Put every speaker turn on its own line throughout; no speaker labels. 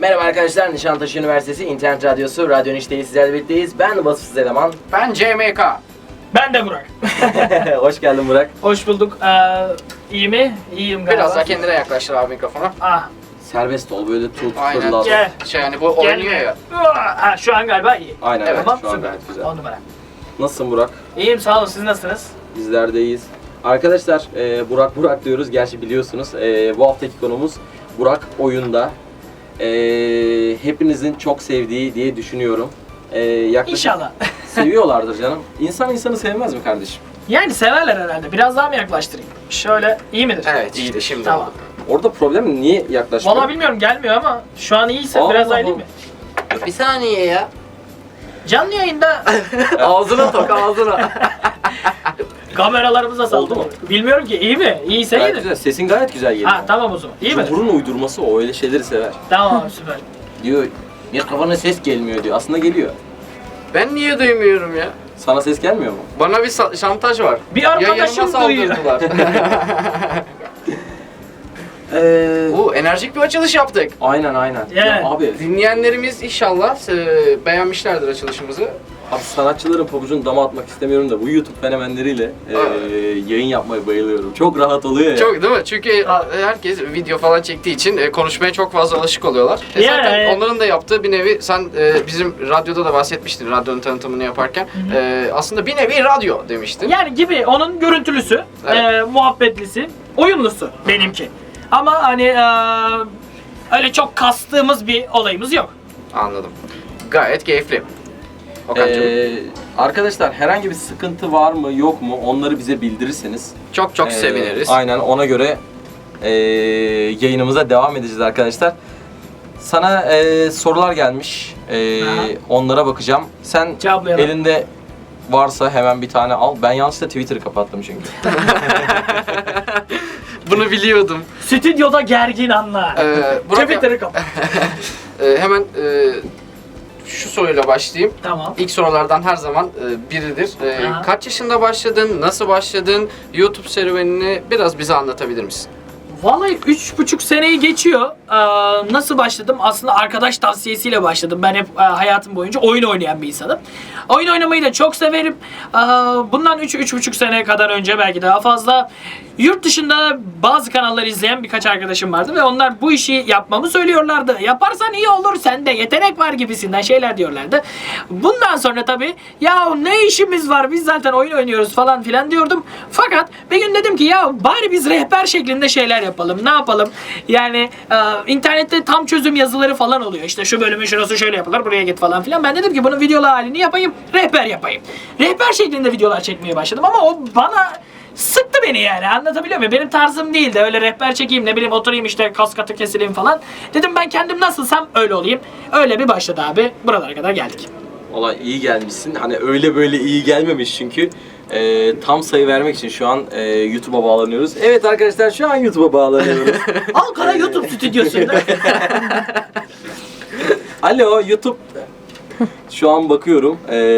Merhaba arkadaşlar, Nişantaşı Üniversitesi İnternet Radyosu Radyo Niş'teyiz, sizlerle birlikteyiz. Ben Vasıfsız Eleman.
Ben CMK.
Ben de Burak.
Hoş geldin Burak.
Hoş bulduk. İyi mi? İyiyim galiba.
Biraz daha kendine yaklaştır abi mikrofonu.
Ah,
Serbest ol, böyle tut,
Aynen.
fırlat.
gel.
Yani bu oynuyor
Gelme.
ya.
Ha, şu an galiba iyi.
Aynen,
Evet,
evet, şu an
süper.
gayet güzel.
10 numara.
Nasılsın Burak?
İyiyim, sağ olun. Siz nasılsınız?
Bizler de iyiyiz. Arkadaşlar, Burak diyoruz, gerçi biliyorsunuz. Bu haftaki konumuz Burak oyunda. Hepinizin çok sevdiği diye düşünüyorum. Yaklaşık
İnşallah.
seviyorlardır canım. İnsan insanı sevmez mi kardeşim?
Yani severler herhalde. Biraz daha mı yaklaştırayım? Şöyle, iyi midir?
Evet işte şimdi
Tamam.
oldu.
Orada problem niye yaklaşmıyor?
Vallahi bilmiyorum, gelmiyor ama şu an iyiyse
Allah
biraz daha
Allah.
iyi mi?
Bir saniye ya.
Canlı yayında
Ağzına tok ağzına.
kameralarımıza
Oldu
saldı.
mu?
Bilmiyorum ki, iyi mi? İyiyse
Gayet
iyidir.
güzel. Sesin gayet güzel geliyor.
Ha, tamam o zaman. İyi mi?
Burun uydurması o, öyle şeyleri sever.
Tamam, süper.
Diyor, mikrofona ses gelmiyor diyor. Aslında geliyor.
Ben niye duymuyorum ya?
Sana ses gelmiyor mu?
Bana bir şantaj var.
Bir arkadaşım
Yayınıma
duyuyor.
saldırdılar. Enerjik bir açılış yaptık.
Aynen.
Yani.
Ya abi,
Dinleyenlerimiz inşallah beğenmişlerdir açılışımızı.
abi sanatçıların pabucunu dama atmak istemiyorum da bu YouTube fenomenleriyle yayın yapmaya bayılıyorum. Çok rahat oluyor ya.
Çok değil mi? Çünkü herkes video falan çektiği için konuşmaya çok fazla alışık oluyorlar.
Yani.
Zaten onların da yaptığı bir nevi, sen bizim radyoda da bahsetmiştin, radyonun tanıtımını yaparken. Aslında bir nevi radyo demiştin.
Yani gibi, onun görüntülüsü,
Evet.
muhabbetlisi, oyunlusu benimki. Ama hani öyle çok kastığımız bir olayımız yok.
Anladım. Gayet keyifli. Okan'cığım.
Arkadaşlar, herhangi bir sıkıntı var mı yok mu onları bize bildirirseniz
Çok seviniriz.
Aynen, ona göre yayınımıza devam edeceğiz arkadaşlar. Sana sorular gelmiş. Onlara bakacağım. Sen
Cevaplayalım.
elinde varsa hemen bir tane al. Ben yanlışlıkla Twitter'ı kapattım çünkü.
Bunu biliyordum.
Stüdyoda gergin anlar.
Burak,
Twitter'ı kapat.
hemen şu soruyla başlayayım.
Tamam.
İlk sorulardan her zaman biridir.
Aha.
Kaç yaşında başladın, nasıl başladın, YouTube serüvenini biraz bize anlatabilir misin?
Vallahi 3,5 seneyi geçiyor. Nasıl başladım? Aslında arkadaş tavsiyesiyle başladım. Ben hep hayatım boyunca oyun oynayan bir insanım. Oyun oynamayı da çok severim. Bundan 3,5 sene kadar önce, belki daha fazla, yurt dışında bazı kanalları izleyen birkaç arkadaşım vardı ve onlar bu işi yapmamı söylüyorlardı. Yaparsan iyi olur, sende yetenek var gibisinden şeyler diyorlardı. Bundan sonra tabii ya ne işimiz var, biz zaten oyun oynuyoruz falan filan diyordum. Fakat bir gün dedim ki ya bari biz rehber şeklinde şeyler yapalım. Ne yapalım? Yani internette tam çözüm yazıları falan oluyor. İşte şu bölümün şurası şöyle yapılır, buraya git falan filan. Ben dedim ki bunun videolu halini yapayım, rehber yapayım. Rehber şeklinde videolar çekmeye başladım ama o bana sıktı beni, yani anlatabiliyor muyum? Benim tarzım değildi. Öyle rehber çekeyim, ne bileyim oturayım işte kas katı kesileyim falan. Dedim ben kendim nasılsam öyle olayım. Öyle bir başladı abi. Buralara kadar geldik.
Valla iyi gelmişsin. Hani öyle böyle iyi gelmemiş çünkü. Tam sayı vermek için şu an YouTube'a bağlanıyoruz. Evet arkadaşlar, şu an YouTube'a bağlanıyoruz.
Ankara YouTube stüdyosunda.
Alo YouTube. Şu an bakıyorum.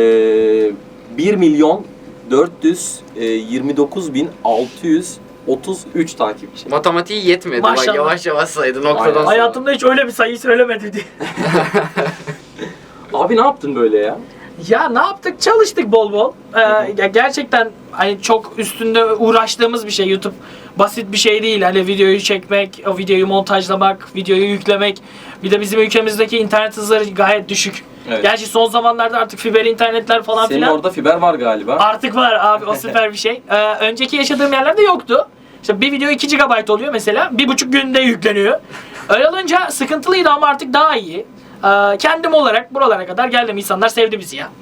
1.429.633 takipçi.
Matematiği yetmedi.
Maşallah.
Bak yavaş yavaş saydı noktadan
Aynen.
sonra.
Hayatımda hiç öyle bir sayı söylemedi diye.
Abi ne yaptın böyle ya?
Ya ne yaptık? Çalıştık bol bol. Ya gerçekten hani çok üstünde uğraştığımız bir şey YouTube. Basit bir şey değil. Hani videoyu çekmek, o videoyu montajlamak, videoyu yüklemek. Bir de bizim ülkemizdeki internet hızları gayet düşük.
Evet.
Gerçi son zamanlarda artık fiber internetler falan
Senin
filan.
orada fiber var galiba.
Artık var abi, o süper bir şey. Önceki yaşadığım yerlerde yoktu. İşte bir video 2 GB oluyor mesela. 1,5 günde yükleniyor. Öyle olunca sıkıntılıydı ama artık daha iyi. Kendim olarak buralara kadar geldim. İnsanlar sevdi bizi ya.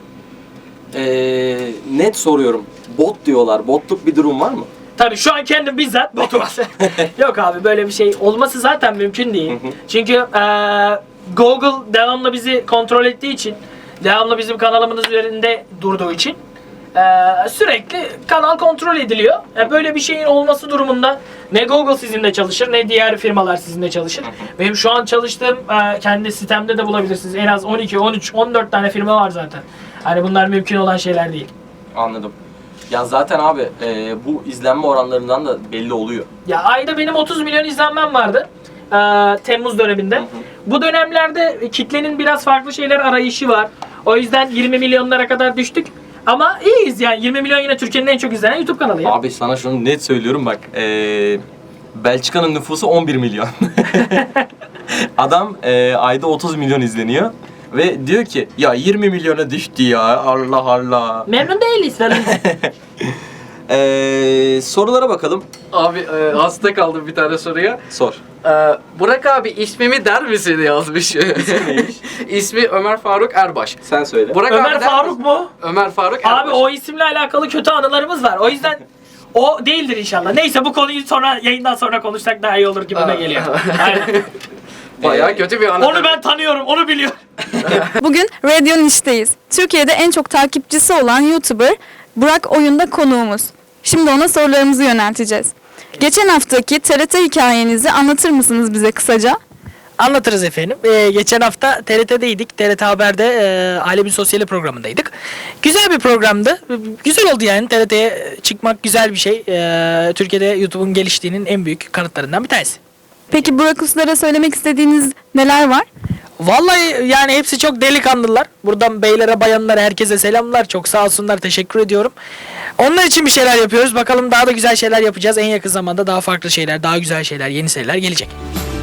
Net soruyorum. Bot diyorlar. Botluk bir durum var mı?
Tabii şu an kendim bizzat botum. Yok abi, böyle bir şey olması zaten mümkün değil. Çünkü Google devamlı bizi kontrol ettiği için, devamlı bizim kanalımız üzerinde durduğu için sürekli kanal kontrol ediliyor. Böyle bir şeyin olması durumunda ne Google sizinle çalışır ne diğer firmalar sizinle çalışır. Benim şu an çalıştığım kendi sitemde de bulabilirsiniz. En az 12, 13, 14 tane firma var zaten. Hani bunlar mümkün olan şeyler değil.
Anladım. Ya zaten abi bu izlenme oranlarından da belli oluyor.
Ya ayda benim 30 milyon izlenmem vardı. Temmuz döneminde. Bu dönemlerde kitlenin biraz farklı şeyler arayışı var. O yüzden 20 milyonlara kadar düştük. Ama iyiyiz yani. 20 milyon yine Türkiye'nin en çok izlenen YouTube kanalı ya.
Abi sana şunu net söylüyorum bak. Belçika'nın nüfusu 11 milyon. Adam ayda 30 milyon izleniyor. Ve diyor ki ya 20 milyona düştü ya, Allah Allah.
Memnun değiliz falan.
Sorulara bakalım.
Abi hasta kaldım bir tane soruya.
Sor.
Burak abi ismimi der misin yazmış.
neymiş?
İsmi Ömer Faruk Erbaş.
Sen söyle.
Burak
Ömer
abi der
Faruk
misin?
mu?
Ömer Faruk Erbaş.
Abi o isimle alakalı kötü anılarımız var. O yüzden o değildir inşallah. Neyse bu konuyu sonra yayından sonra konuşsak daha iyi olur gibime geliyor. Aynen.
Bayağı kötü bir anı.
Onu ben tanıyorum, onu biliyorum.
Bugün Radio Niş'teyiz. Türkiye'de en çok takipçisi olan YouTuber Burak Oyun'da konuğumuz. Şimdi ona sorularımızı yönelteceğiz. Geçen haftaki TRT hikayenizi anlatır mısınız bize kısaca?
Anlatırız efendim. Geçen hafta TRT'deydik. TRT Haber'de Alemin Sosyali programındaydık. Güzel bir programdı. Güzel oldu yani. TRT'ye çıkmak güzel bir şey. Türkiye'de YouTube'un geliştiğinin en büyük kanıtlarından bir tanesi.
Peki Burak Uslu'lara söylemek istediğiniz neler var?
Vallahi yani hepsi çok delikanlılar. Buradan beylere, bayanlara, herkese selamlar. Çok sağ olsunlar. Teşekkür ediyorum. Onlar için bir şeyler yapıyoruz. Bakalım daha da güzel şeyler yapacağız. En yakın zamanda daha farklı şeyler, daha güzel şeyler, yeni seriler gelecek.